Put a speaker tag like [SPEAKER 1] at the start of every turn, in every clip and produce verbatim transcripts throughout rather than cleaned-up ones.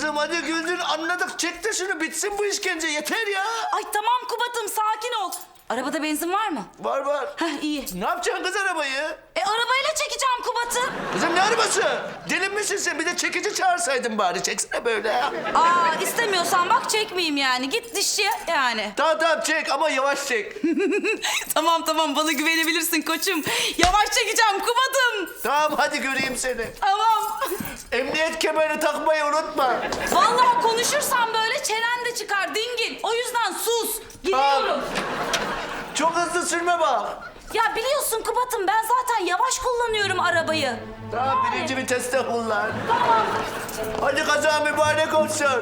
[SPEAKER 1] kızım hadi güldün anladık. Çek de şunu bitsin bu işkence yeter ya.
[SPEAKER 2] Ay tamam Kubat'ım sakin ol. Arabada benzin var mı?
[SPEAKER 1] Var var.
[SPEAKER 2] Heh iyi.
[SPEAKER 1] Ne yapacaksın kız arabayı?
[SPEAKER 2] E arabayla çekeceğim Kubat'ı.
[SPEAKER 1] Kızım ne arabası? Deli misin sen? Bir de çekici çağırsaydın bari. Çeksene böyle ya.
[SPEAKER 2] Aa istemiyorsan bak çekmeyeyim yani. Git dişçiye yani.
[SPEAKER 1] Tamam tamam çek ama yavaş çek.
[SPEAKER 2] Tamam tamam bana güvenebilirsin koçum. Yavaş çekeceğim Kubat'ım.
[SPEAKER 1] Tamam hadi göreyim seni.
[SPEAKER 2] Tamam.
[SPEAKER 1] Emniyet kemerini takmayı unutma.
[SPEAKER 2] Vallahi konuşursan böyle çenen de çıkar dingil. O yüzden sus. Gidiyorum.
[SPEAKER 1] Çok hızlı sürme bak.
[SPEAKER 2] Ya biliyorsun Kubat'ım ben zaten yavaş kullanıyorum arabayı.
[SPEAKER 1] Tamam birinci viteste kullan.
[SPEAKER 2] Tamam.
[SPEAKER 1] Hadi kaza mübarek olsun.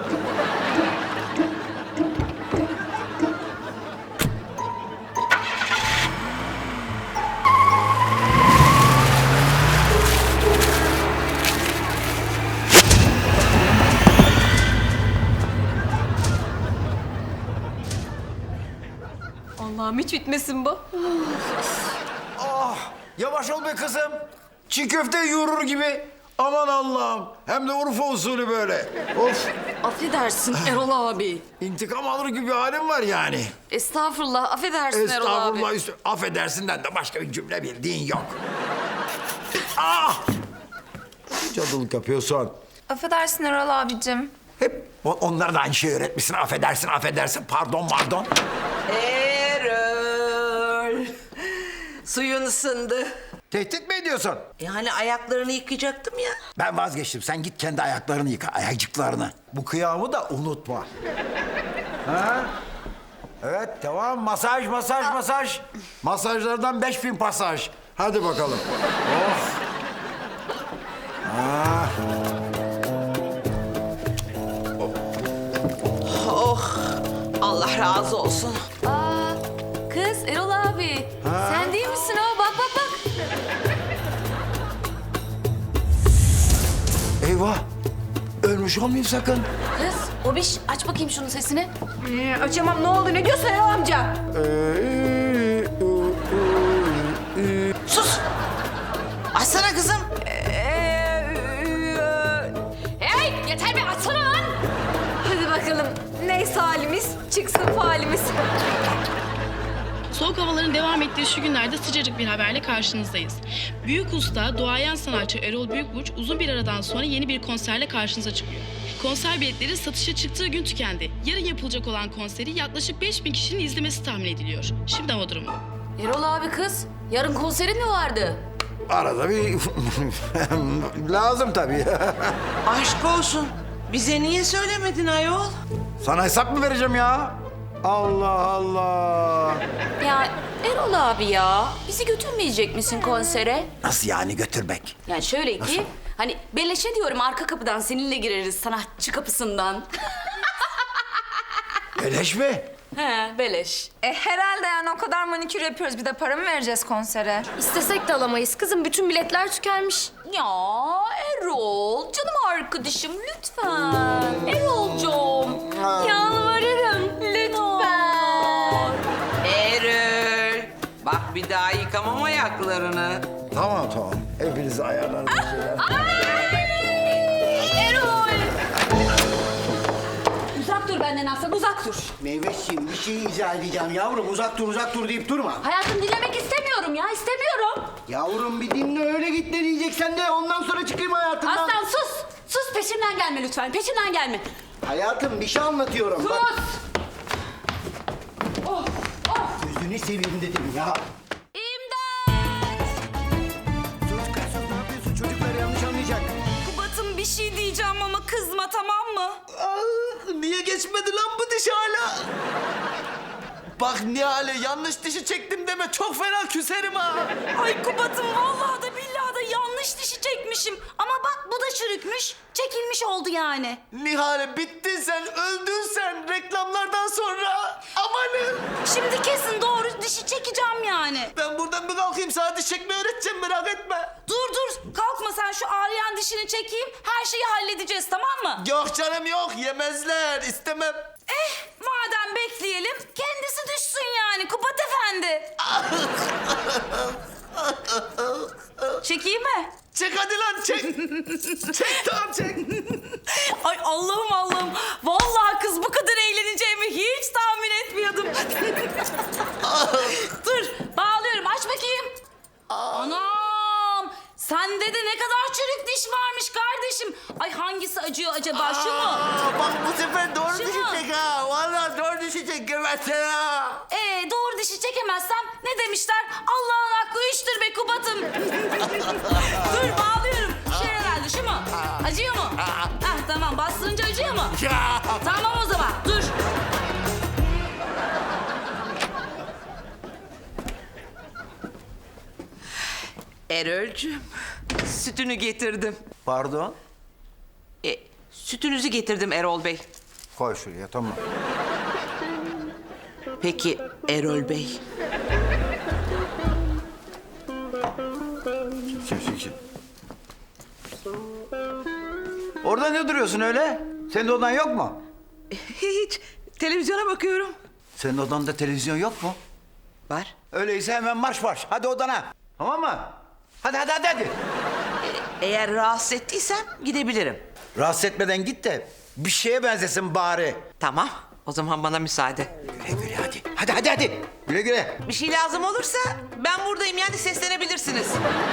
[SPEAKER 3] Allah'ım hiç bitmesin bu.
[SPEAKER 4] Ah, yavaş ol be kızım. Çiğ köfte yoğurur gibi. Aman Allah'ım. Hem de Urfa usulü böyle. Of.
[SPEAKER 3] Affedersin Erol abi.
[SPEAKER 4] İntikam alır gibi bir halim var yani.
[SPEAKER 3] Estağfurullah, affedersin Erol abi.
[SPEAKER 4] Estağfurullah. Üstü, affedersinden de başka bir cümle bildiğin yok. Ah! Cadılık yapıyorsun.
[SPEAKER 5] Affedersin Erol abicim.
[SPEAKER 4] Hep o- onlara da aynı şeyi öğretmişsin. Affedersin, affedersin. Pardon, pardon.
[SPEAKER 6] Erol. Suyun ısındı.
[SPEAKER 4] Tehdit mi ediyorsun?
[SPEAKER 6] Yani ayaklarını yıkayacaktım ya.
[SPEAKER 4] Ben vazgeçtim. Sen git kendi ayaklarını yıka, ayakcıklarını. Bu kıyamı da unutma. Ha? Evet, tamam. Masaj, masaj, masaj. Masajlardan beş bin pasaj. Hadi bakalım. Oh. Ha.
[SPEAKER 6] Oh. Allah razı olsun.
[SPEAKER 3] Aa, kız Erol abi. Sen değil misin o? Bak bak bak.
[SPEAKER 4] Eyvah. Ölmüş olmayayım sakın.
[SPEAKER 3] Kız, Obiş aç bakayım şunun sesini.
[SPEAKER 5] Ee, açamam ne oldu ne diyorsun Erol amca?
[SPEAKER 6] Sus. Açsana kızım.
[SPEAKER 3] Hey yeter be açsana lan. Hadi bakalım. Neyse halimiz çıksın falimiz.
[SPEAKER 7] Soğuk havaların devam ettiği şu günlerde sıcacık bir haberle karşınızdayız. Büyük usta, duayen sanatçı Erol Büyükburç uzun bir aradan sonra yeni bir konserle karşınıza çıkıyor. Konser biletleri satışa çıktığı gün tükendi. Yarın yapılacak olan konseri yaklaşık beş bin kişinin izlemesi tahmin ediliyor. Şimdi hava durumu.
[SPEAKER 3] Erol abi kız, yarın konserin mi vardı?
[SPEAKER 4] Arada bir... Lazım tabii.
[SPEAKER 6] Aşk olsun. Bize niye söylemedin ayol?
[SPEAKER 4] Sana hesap mı vereceğim ya? Allah Allah.
[SPEAKER 3] Ya Erol abi ya, bizi götürmeyecek misin konsere?
[SPEAKER 4] Nasıl yani götürmek?
[SPEAKER 3] Yani şöyle ki, hani beleşe diyorum arka kapıdan seninle gireriz sanatçı kapısından.
[SPEAKER 4] Beleş mi?
[SPEAKER 3] He, beleş.
[SPEAKER 5] E herhalde yani o kadar manikür yapıyoruz bir de para mı vereceğiz konsere?
[SPEAKER 8] İstesek de alamayız kızım. Bütün biletler tükenmiş.
[SPEAKER 3] Ya Erol, canım arkadaşım lütfen. Erol'cum, yalvarırım lütfen.
[SPEAKER 6] Erol. Bak bir daha yıkamam ayaklarını.
[SPEAKER 4] Tamam tamam. Hepinizi ayarlarım.
[SPEAKER 3] Erol! Uzak dur benden Aslan, uzak dur.
[SPEAKER 9] Meyveciğim bir şey izah edeceğim yavrum. Uzak dur uzak dur deyip durma.
[SPEAKER 3] Hayatım dinlemek istemiyorum ya, istemiyorum.
[SPEAKER 9] Yavrum bir dinle öyle git ne diyeceksen de ondan sonra çıkayım hayatından.
[SPEAKER 3] Aslan sus, sus peşimden gelme lütfen, peşimden gelme.
[SPEAKER 9] Hayatım bir şey anlatıyorum.
[SPEAKER 3] Sus!
[SPEAKER 9] Bak. Gözünü seveyim dedim ya.
[SPEAKER 3] İmdat!
[SPEAKER 9] Sus kız sus ne yapıyorsun? Çocuklar yanlış anlayacak.
[SPEAKER 2] Kubat'ım bir şey diyeceğim ama kızma tamam mı?
[SPEAKER 1] Aa, niye geçmedi lan bu diş hala? Bak Nihale yanlış dişi çektim deme çok fena küserim ha.
[SPEAKER 2] Ay Kubat'ım vallahi da billahi da yanlış dişi çekmişim. Ama bak bu da çürükmüş. Çekilmiş oldu yani.
[SPEAKER 1] Nihale bittin sen öldün sen reklamlardan sonra. Amanın.
[SPEAKER 2] Şimdi kesin doğru dişi çekeceğim yani.
[SPEAKER 1] Ben buradan bir kalkayım sana diş çekmeyi öğreteceğim merak etme.
[SPEAKER 2] Dur dur kalkma sen şu ağrıyan dişini çekeyim. Her şeyi halledeceğiz tamam mı?
[SPEAKER 1] Yok canım yok yemezler istemem.
[SPEAKER 2] Eh madem bekleyelim kendisi düşsün yani Kubat Efendi. Çekeyim mi?
[SPEAKER 1] Çek hadi lan çek. Çek tamam çek.
[SPEAKER 2] Ay Allah'ım Allah'ım. Vallahi kız bu kadar eğleneceğimi hiç tahmin etmiyordum. Dur bağlıyorum aç bakayım. Anam. Sende de ne kadar çürük diş varmış kardeşim. Ay hangisi acıyor acaba şu mu?
[SPEAKER 1] Aa, bak bu sefer doğru
[SPEAKER 2] Şu mu?
[SPEAKER 1] düşecek ha. Vallahi doğru düşecek gebersen ha.
[SPEAKER 2] Ee, doğru dişi çekemezsem ne demişler? Allah'ın hakkı üçtür be Kubat'ım. Dur bağlıyorum. Şey herhalde şu mu? Acıyor mu? Hah tamam bastırınca acıyor mu? Tamam o zaman dur.
[SPEAKER 6] Erol'cüğüm, sütünü getirdim.
[SPEAKER 4] Pardon.
[SPEAKER 6] E, sütünüzü getirdim Erol Bey.
[SPEAKER 4] Koy şuraya tamam.
[SPEAKER 6] Peki Erol Bey,
[SPEAKER 4] Çek çek çek. Orada ne duruyorsun öyle? Senin odan yok mu?
[SPEAKER 6] hiç televizyona bakıyorum.
[SPEAKER 4] Senin odanda televizyon yok mu?
[SPEAKER 6] Var.
[SPEAKER 4] Öyleyse hemen marş marş. Hadi odana. Tamam mı? Hadi hadi hadi hadi.
[SPEAKER 6] Eğer rahatsız ettiysem gidebilirim.
[SPEAKER 4] Rahatsız etmeden git de bir şeye benzesin bari.
[SPEAKER 6] Tamam, o zaman bana müsaade.
[SPEAKER 4] Güle güle hadi. Hadi hadi hadi. Güle güle.
[SPEAKER 6] Bir şey lazım olursa ben buradayım, yani seslenebilirsiniz.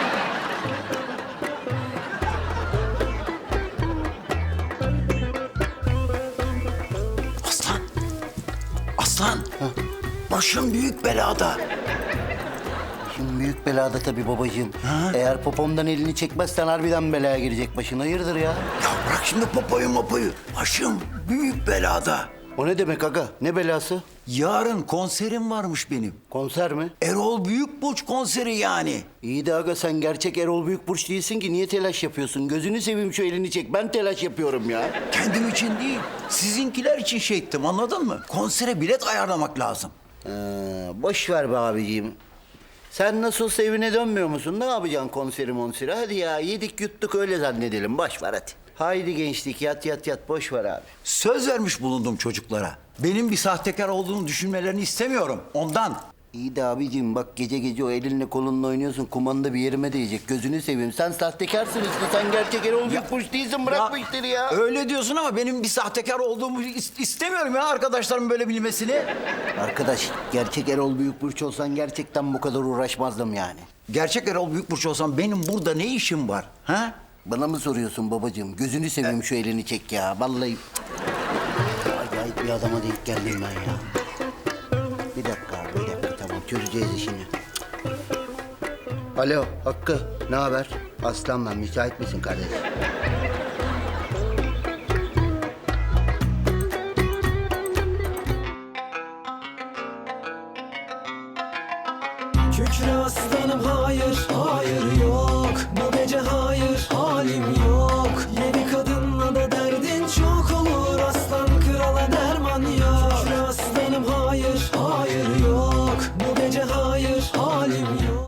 [SPEAKER 4] Aslan. Aslan. Başım büyük belada.
[SPEAKER 9] Şimdi büyük belada tabii babacığım. Eğer popomdan elini çekmezsen harbiden belaya girecek başın. Hayırdır ya?
[SPEAKER 4] Ya bırak şimdi popoyu mopoyu. Başım büyük belada.
[SPEAKER 9] O ne demek aga? Ne belası?
[SPEAKER 4] Yarın konserim varmış benim.
[SPEAKER 9] Konser mi?
[SPEAKER 4] Erol Büyükburç konseri yani.
[SPEAKER 9] İyi de aga sen gerçek Erol Büyükburç değilsin ki. Niye telaş yapıyorsun? Gözünü seveyim şu elini çek. Ben telaş yapıyorum ya.
[SPEAKER 4] Kendim için değil, sizinkiler için şey ettim anladın mı? Konsere bilet ayarlamak lazım.
[SPEAKER 9] Ee, boş ver be abiciğim. Sen nasılsa evine dönmüyor musun? Ne yapacaksın konseri monseri? Hadi ya yedik yuttuk öyle zannedelim. Boş ver hadi. Haydi gençlik yat yat yat boş ver abi.
[SPEAKER 4] Söz vermiş bulundum çocuklara. Benim bir sahtekar olduğunu düşünmelerini istemiyorum ondan.
[SPEAKER 9] İyi de abiciğim bak gece gece o elinle kolunla oynuyorsun. Kumanda bir yerime değecek. Gözünü seveyim. Sen sahtekarsın işte. Sen gerçek Erol Büyükburç değilsin. Bırak bu işleri ya.
[SPEAKER 4] Öyle diyorsun ama benim bir sahtekar olduğumu is- istemiyorum ya arkadaşlarım böyle bilmesini.
[SPEAKER 9] Arkadaş gerçek Erol Büyükburç olsan gerçekten bu kadar uğraşmazdım yani.
[SPEAKER 4] Gerçek Erol Büyükburç olsam benim burada ne işim var? Ha?
[SPEAKER 9] Bana mı soruyorsun babacığım? Gözünü seveyim şu elini çek ya. Vallahi acayip bir adama denk geldim ben ya. Bir dakika abi, bir dakika tamam çözeceğiz işini. Alo Hakkı ne haber? Aslan ben müsait misin kardeş?
[SPEAKER 10] Kükre aslanım hayır